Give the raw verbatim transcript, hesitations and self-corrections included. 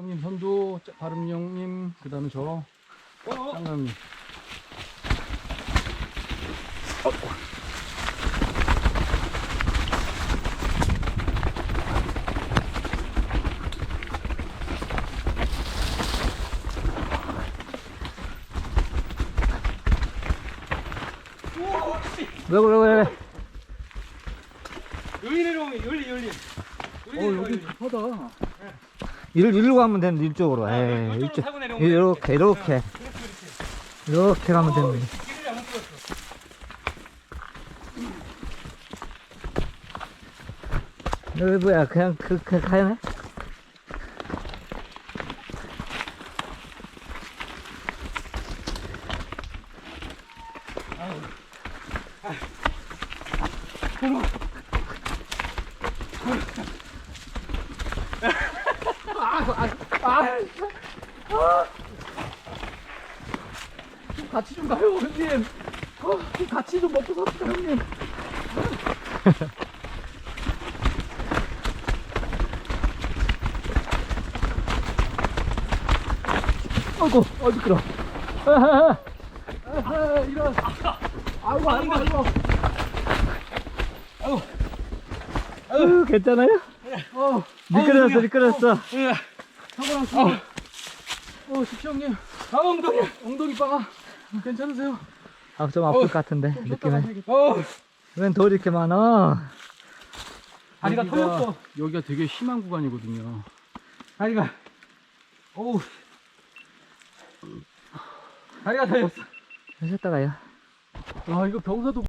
형님 선두, 바름 형님, 그 다음에 저 짱남님. 왜 그래 왜 왜? 여기 내려오면 열리 열리. 어 여기 급하다. 이를 이리로 가면 되는데 이쪽으로. 에이, 이쪽으로 이쪽 타고 내려오면 이렇게 이렇게 그렇지 그렇지. 이렇게 가면 되는데. 길을 잘못 들었어. 여기 뭐야 그냥 그, 그 가야네? 같이 좀 가요 형님. 어, 좀 같이 좀 먹고 삽시다 형님. 아이고 아 미끄러. 아하, 아하, 이런. 아이고 아이고 아이고. 아유 괜찮아요? 어 미끄러졌어 미끄러졌어. 사고 났어. 어 식시 형님. 아 엉덩이. 엉덩이 빵아. 괜찮으세요? 아 좀 아플 것 같은데 좀 쉬었다가 느낌에. 해야겠다. 어. 웬 돌이 이렇게 많아? 다리가 여기가- 터졌어. 여기가 되게 심한 구간이거든요. 다리가. 어우. 다리가 터졌어. 하셨다가요. 아 이거 병사도